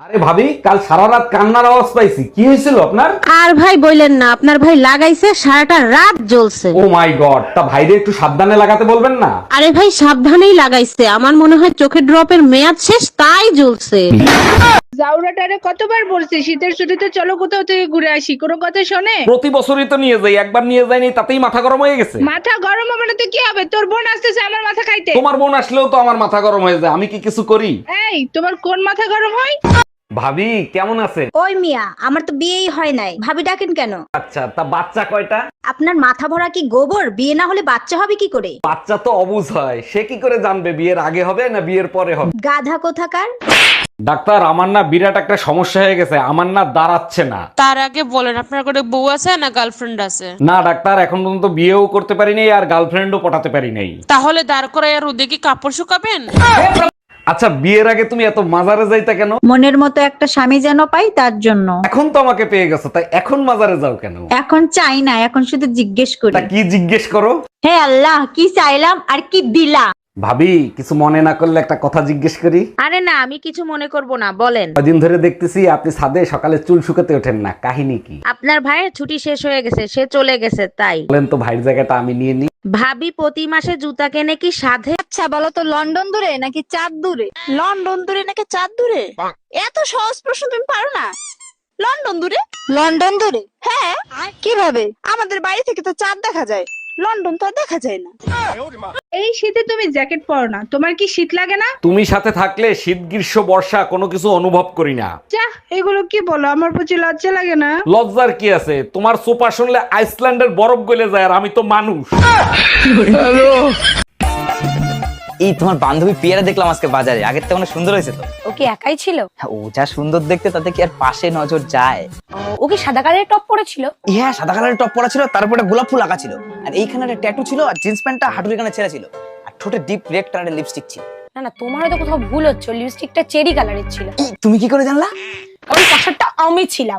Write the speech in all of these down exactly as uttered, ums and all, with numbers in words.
আরে ভাবি, কাল সারা রাত কান্নার আওয়াজ পাইছি, কি হয়েছিল আপনার? আর ভাই বললেন না, আপনার ভাই লাগাইছে সারাটা রাত জ্বলছে। ও মাই গড, তা ভাইরে একটু সাবধানে লাগাতে বলবেন না? আরে ভাই সাবধানেই লাগাইছে, আমার মনে হয় চোখের ড্রপের মেয়াদ শেষ তাই জ্বলছে। জাউরাটারে কতবার বলছি শীতের ছুটিতে চলো কোথাও থেকে ঘুরে আসি, কোনো কথা শোনে? প্রতি বছরই তো নিয়ে যাই, একবার নিয়ে যাইনি তাতেই মাথা গরম হয়ে গেছে। মাথা গরম হবে না তো কি হবে? তোর বোন আসতেছে আমার মাথা খাইতে। তোমার বোন আসলেও তো আমার মাথা গরম হয়ে যায়, আমি কি কিছু করি? এই তোমার কোন মাথা গরম হয়? ভাবি কেমন আছেন? ওই মিয়া, আমার তো বিয়েই হয় নাই, ভাবি ডাকেন কেন? আচ্ছা, তা বাচ্চা কয়টা? আপনার মাথা ভরা কি গোবর? বিয়ে না হলে বাচ্চা হবে কি করে? বাচ্চা তো অবুঝ হয়, সে কি করে জানবে বিয়ের আগে হবে না বিয়ের পরে হবে? গাধা কোথাকার। ডাক্তার, আমার না বিরাট একটা সমস্যা হয়ে গেছে, আমার না দাঁড়াচ্ছে না। তার আগে বলেন আপনার কোনো বউ আছে না গার্লফ্রেন্ড আছে? না ডাক্তার, এখন পর্যন্ত বিয়েও করতে পারি নাই আর গার্লফ্রেন্ডও পটাতে পারি নাই। তাহলে দাঁড় করায় আর ওদিকে কাপড় শুকাবেন? আচ্ছা, বিয়ের আগে তুমি এত মাজারে যাইতা কেন? মনের মতো একটা স্বামী যেন পাই তার জন্য। এখন তো আমাকে পেয়ে গেছো, তাই এখন মাজারে যাও কেন? এখন চাই না, এখন শুধু জিজ্ঞেস করি। তা কি জিজ্ঞেস করো? হে আল্লাহ, কি চাইলাম আর কি দিলা? ভাবি, কিছু মনে না করলে একটা কথা জিজ্ঞেস করি? আরে না, আমি কিছু মনে করব না, বলেন। কদিন ধরে দেখতেছি আপনি ছাদে সকালে চুল শুকাতে ওঠেন না, কাহিনী কি? আপনার ভাইয়ের ছুটি শেষ হয়ে গেছে, সে চলে গেছে তাই। বলেন তো, ভাইয়ের জায়গাটা আমি নিয়ে নিই। ভাবি প্রতি মাসে জুতা কেনে কি সাধে? আচ্ছা বলো তো, লন্ডন দূরে নাকি চাঁদ দূরে? লন্ডন দূরে নাকি চাঁদ দূরে? এত সহজ প্রশ্ন তুমি পারো না? লন্ডন দূরে। লন্ডন দূরে? হ্যাঁ। কিভাবে? আমাদের বাড়ি থেকে তো চাঁদ দেখা যায়, লন্ডন তো আর দেখা যায় না। এই শীতে তুমি জ্যাকেট পরো না, তোমার কি শীত লাগে না? তুমি সাথে থাকলে শীত গ্রীষ্ম বর্ষা কোনো কিছু অনুভব করি না। যা, এগুলো কি বলো? আমার প্রতি লজ্জা লাগে না? লজ্জার কি আছে? তোমার সোপা শুনলে আইসল্যান্ডের বরফ গলে যায়, আর আমি তো মানুষ। এই তোমার বান্ধবী পিয়ারা দেখলাম আজকে বাজারে, আগের থেকে অনেক সুন্দর হয়েছে তো। ও কি একাই ছিল? হ্যাঁ, ও যা সুন্দর দেখতে তাতে কি আর পাশে নজর যায়? ও কি সাদা কালারের টপ পরেছিল? হ্যাঁ, সাদা কালারের টপ পরা ছিল, তারপরে গোলাপ ফুল আঁকা ছিল, আর এইখানে একটা ট্যাটু ছিল, আর জিন্স প্যান্টটা হাঁটুর এখানে ছেঁড়া ছিল, আর ঠোঁটে ডিপ রেড কালারের লিপস্টিক ছিল। না না, তোমার হয়তো কোথাও ভুল হচ্ছে, লিপস্টিকটা চেরি কালারের ছিল। এই, তুমি কি করে জানলা? কারণ পাশারটা আমি ছিলাম।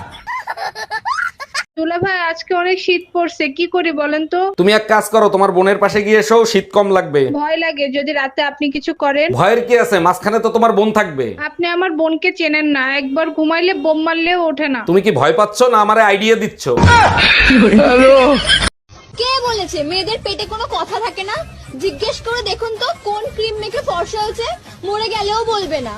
দুলা ভাই, আজকে অনেক শীত পড়ছে, কি করি বলেন তো? তুমি এক কাজ করো, তোমার বোনের পাশে গিয়ে এসো, শীত কম লাগবে। ভয় লাগে যদি রাতে আপনি কিছু করেন। ভয়ের কি আছে? মাঝখানে তো তোমার বোন থাকবে। আপনি আমার বোনকে চেনেন না, একবার ঘুমাইলে বোম মারলেও ওঠে না। তুমি কি ভয় পাচ্ছ না আমারে আইডিয়া দিচ্ছ? কে বলেছে মেয়েদের পেটে কোনো কথা থাকে না? জিজ্ঞেস করে দেখুন তো কোন ক্রিম মেখে ফর্সা হয়েছে, মরে গেলেও বলবে না।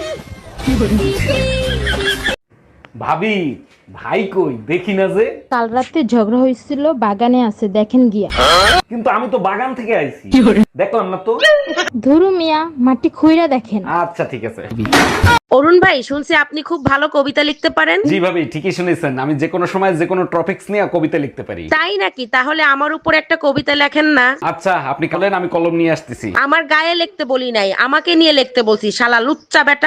ভাবি, ভাই কই দেখি না যে? কাল রাতে ঝগড়া হয়েছিল, বাগানে আছে, দেখেন গিয়া। কিন্তু আমি তো বাগান থেকে আইছি, দেখলাম না তো। ধরু মিয়া, মাটি খুইরা দেখেন। আচ্ছা ঠিক আছে। অরুণ ভাই, শুনছি আপনি খুব ভালো কবিতা লিখতে পারেন। জি ভাবি, ঠিকই শুনেছেন, আমি যে কোনো সময় যে কোনো টপিকস নিয়ে কবিতা লিখতে পারি। তাই নাকি? তাহলে আমার উপর একটা কবিতা লেখেন না। আচ্ছা, আপনি বলেন, আমি কলম নিয়ে আসতেছি। আমার গায়ে লিখতে বলি নাই, আমাকে নিয়ে লিখতে বলছি, শালা লুচ্চা বেটা।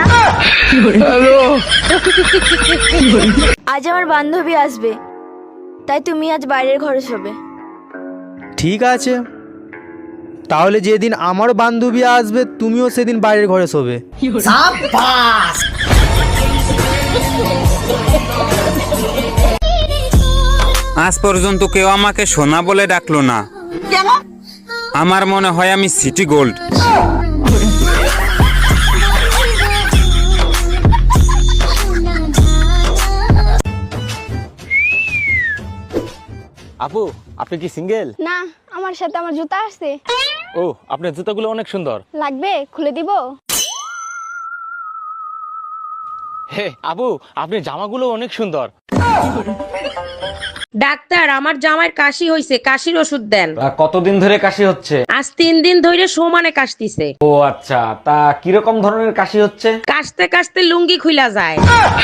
আজ আমার বান্ধবী আসবে, তাই তুমি আজ বাইরের ঘরে শোবে। ঠিক আছে, তাহলে যেদিন আমার বান্ধবী আসবে তুমিও সেদিন বাইরের ঘরে শোবে। আজ পর্যন্ত কেউ আমাকে সোনা বলে ডাকলো না। আমার মনে হয় আমি সিটি গোল্ড। আপু, আপনি কি সিঙ্গেল? না, আমার সাথে আমার জুতা আসছে। ও, আপনার জুতাগুলো অনেক সুন্দর। লাগবে? খুলে দিব? হে আপু, আপনার জামাগুলো অনেক সুন্দর। ডাক্তার, আমার জামাইয়ের কাশি হইছে, কাশির ওষুধ দেন। তা কতদিন ধরে কাশি হচ্ছে? আজ তিন দিন ধরে সমানে কাশতিছে। ও আচ্ছা, তা কিরকম ধরনের কাশি হচ্ছে? কাশতে কাশতে লুঙ্গি খুইলা যায়।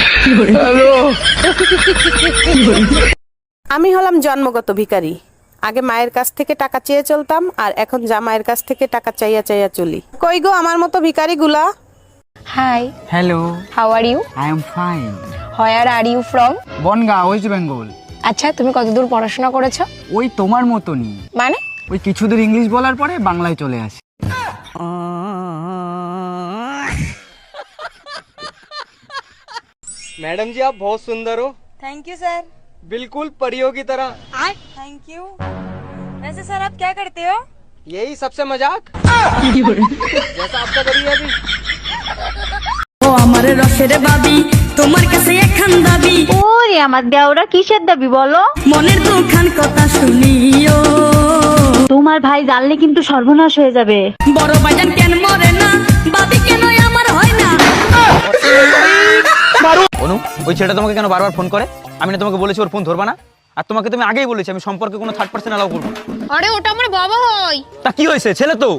আমি হলাম জন্মগত ভিখারি। আগে মায়ের কাছ থেকে টাকা চেয়ে চলতাম, আর এখন জামাইয়ের কাছ থেকে টাকা চাইয়া চাইয়া চলি। কই গো আমার মতো ভিখারি গুলা? Hi, hello, how are you? I am fine. Where are you from? Bongaon, West Bengal. আচ্ছা, তুমি কতদূর পড়াশোনা করেছো? ওই তোমার মতনই, মানে? ওই কিছু দূর ইংলিশ বলার পরে বাংলায় চলে আসি। मैडम जी, आप बहुत सुंदर हो। Thank you sir. बिल्कुल परियों की तरह। Thank you. वैसे सर आप क्या करते हो? यही सबसे मजाक जैसा आपका करिए अभी। ও আমার আমার রসের বাবি তোমার কাছে একখান দাবি। ওরে আমার দেওরা কিসের দাবি বলো? মনের দুখান কথা শুনিও, তোমার ভাই জানলে কিন্তু সর্বনাশ হয়ে যাবে। বড় ভাইজান কেন মরে না, বাবি কেন আমার হয় না? অনু, ওই ছেলেটা তোমাকে কেন বারবার ফোন করে? আমি না তোমাকে বলেছি ওর ফোন ধরবা না? আর তোমাকে তুমি আগেই বলেছি আমি সম্পর্কে কোনো থার্ড পার্সন অ্যালাউ করবো না। আরে ওটা আমার বাবা হয়। তা কি হয়েছে, ছেলে তো।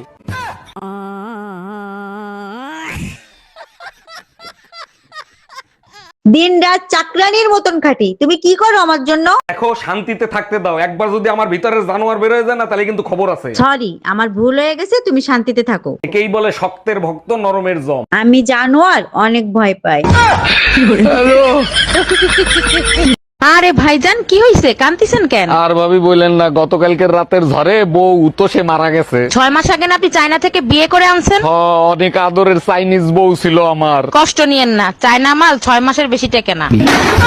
দিন রাত চাকরানির মতন খাটি, তুমি কি করো আমার জন্য? দেখো শান্তিতে থাকতে দাও, একবার যদি আমার ভিতরের জানোয়ার বের হয়ে যায় না তাহলে কিন্তু খবর আছে। সরি, আমার ভুল হয়ে গেছে, তুমি শান্তিতে থাকো। একেই বলে শক্তের ভক্ত নরমের জম। আমি জানোয়ার অনেক ভয় পাই। আরে ভাইজান কি হইছে, কান্তিছেন কেন? আর ভাবি বললেন না, গতকালকের রাতের ঝড়ে বউ তো সে মারা গেছে। ছয় মাস আগে না আপনি চায়না থেকে বিয়ে করে আনছেন? হ, অনেক আদরের চাইনিজ বউ ছিল আমার। কষ্ট নিয়েন না, চায়না মাল ছয় মাসের বেশি টেকে না।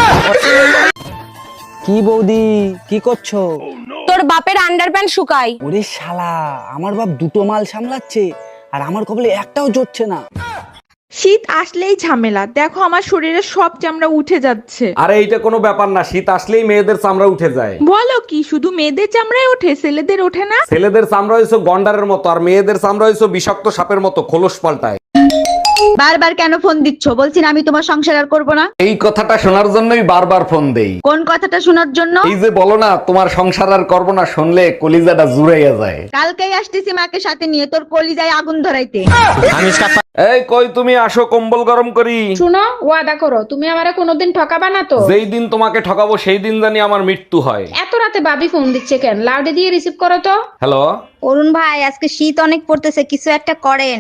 কি বৌদি কি করছো? তোর বাপের আন্ডারপ্যান্ট শুকাই। ওরে শালা, আমার বাপ দুটো মাল সামলাচ্ছে আর আমার কপালে একটাও জুটছে না। শীত আসলেই ঝামেলা, দেখো আমার শরীরে সব চামড়া উঠে যাচ্ছে। আরে এইটা কোনো ব্যাপার না, শীত আসলেই মেয়েদের চামড়া উঠে যায়। বলো কি, শুধু মেয়েদের চামড়ায় ওঠে, ছেলেদের ওঠে না? ছেলেদের চামড়া হয়েছে গন্ডারের মতো আর মেয়েদের চামড়া হয়েছে বিষাক্ত সাপের মতো, খোলস পাল্টায়। বারবার কেন ফোন দিচ্ছ? বলছি না আমি তোমার সংসার আর করবো না। এই কথাটা শোনার জন্যই বারবার ফোন দেই। কোন কথাটা শোনার জন্য? এই যে বলো না তোমার সংসার আর করবো না, শুনলে কলিজাটা জুড়াইয়া যায়। কালকেই আসতেছি মাকে সাথে নিয়ে তোর কলিজায় আগুন ধরাইতে। এই কই তুমি, আসো কম্বল গরম করি। শুনো, ওয়াদা করো তুমি আমারে কোনোদিন ঠকাবা না তো? যেই দিন তোমাকে ঠকাবো সেই দিন জানি আমার মৃত্যু হয়। এত রাতে বাবি ফোন দিচ্ছে কেন? লাউডে দিয়ে রিসিভ করো তো। হ্যালো অরুণ ভাই, আজকে শীত অনেক পড়তেছে, কিছু একটা করেন।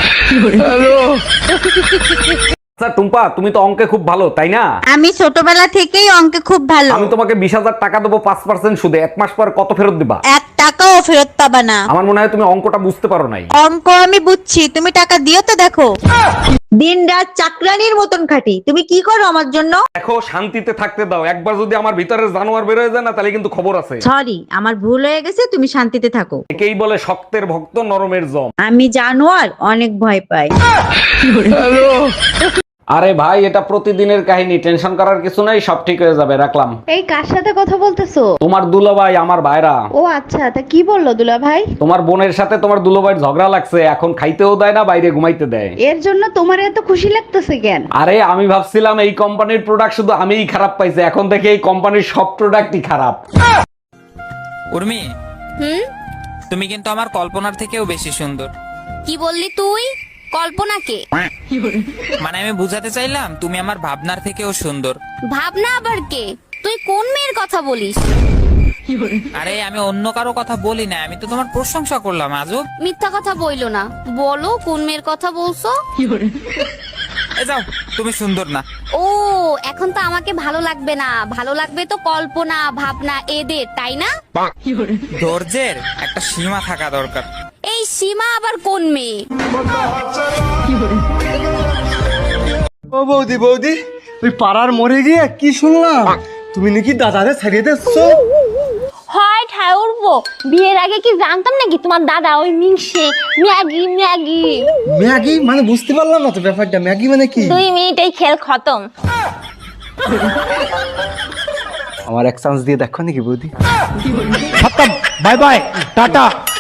আচ্ছা টুম্পা, তুমি তো অঙ্কে খুব ভালো তাই না? আমি ছোটবেলা থেকেই অঙ্কে খুব ভালো। আমি তোমাকে বিশ হাজার টাকা দেবো পাঁচ পার্সেন্ট সুদে, এক মাস পর কত ফেরত দিবা? এক টাকাও ফেরত পাবা না। আমার মনে হয় তুমি অঙ্কটা বুঝতে পারো নাই। অঙ্ক আমি বুঝছি, তুমি টাকা দিও তো। দেখো দিন রাত চাকরানির মতন খাটি, তুমি কি করো আমার জন্য? দেখো শান্তিতে থাকতে দাও, একবার যদি আমার ভিতরের জানোয়ার বের হয়ে যায় না তাহলে কিন্তু খবর আছে। সরি, আমার ভুল হয়ে গেছে, তুমি শান্তিতে থাকো। একেই বলে শক্তের ভক্ত নরমের জম। আমি জানোয়ার অনেক ভয় পাই। আরে ভাই, এটা প্রতিদিনের কাহিনী, টেনশন করার কিছু নাই, সব ঠিক হয়ে যাবে, রাখলাম। এই কার সাথে কথা বলতেছো? তোমার দুলাভাই, আমার ভাইরা। ও আচ্ছা, তা কি বললো দুলা ভাই? তোমার বোনের সাথে তোমার দুলাভাইয়ের ঝগড়া লাগছে, এখন খাইতেও দেয় না, বাইরে ঘুমাইতে দেয়। এর জন্য তোমার এত খুশি লাগতেছে কেন? আরে আমি ভাবছিলাম এই কোম্পানির প্রোডাক্ট শুধু আমিই খারাপ পাইছি, এখন দেখে এই কোম্পানির সব প্রোডাক্টই খারাপ। উর্মি, হুম, তুমি কিন্তু আমার কল্পনার থেকেও বেশি সুন্দর। কি বললি তুই? কল্পনাকে? মানে আমি বুঝাতে চাইলাম তুমি আমার ভাবনার থেকেও সুন্দর। ভাবনা আবার কে? তুই কোন মেয়ের কথা বলিস? আরে আমি অন্য কারো কথা বলি না, আমি তো তোমার প্রশংসা করলাম। আজব মিথ্যা কথা বইলো না, বলো কোন মেয়ের কথা বলছো? এ যাও, তুমি সুন্দর না। ও, এখন তো আমাকে ভালো লাগবে না, ভালো লাগবে তো কল্পনা ভাবনা এদের, তাই না? ধৈর্যের একটা সীমা থাকা দরকার। এই সীমা আবার কোন মেয়ে? ও বৌদি, বৌদি, ওই পাড়ার মরে গিয়ে কি শুনলাম, তুমি নাকি দাদারে ছাড়িয়ে দিচ্ছো? হয় ঠায় উঠবো, বিয়ের আগে কি জানতাম নাকি তোমার দাদা ওই মিংসে ম্যাগি ম্যাগি ম্যাগি মানে বুঝতে পারলাম না তো ব্যাপারটা, ম্যাগি মানে কি? দুই মিনিটেই খেল খতম। আমার এক চান্স দিয়ে দেখো নাকি বৌদি? Bye bye, tata.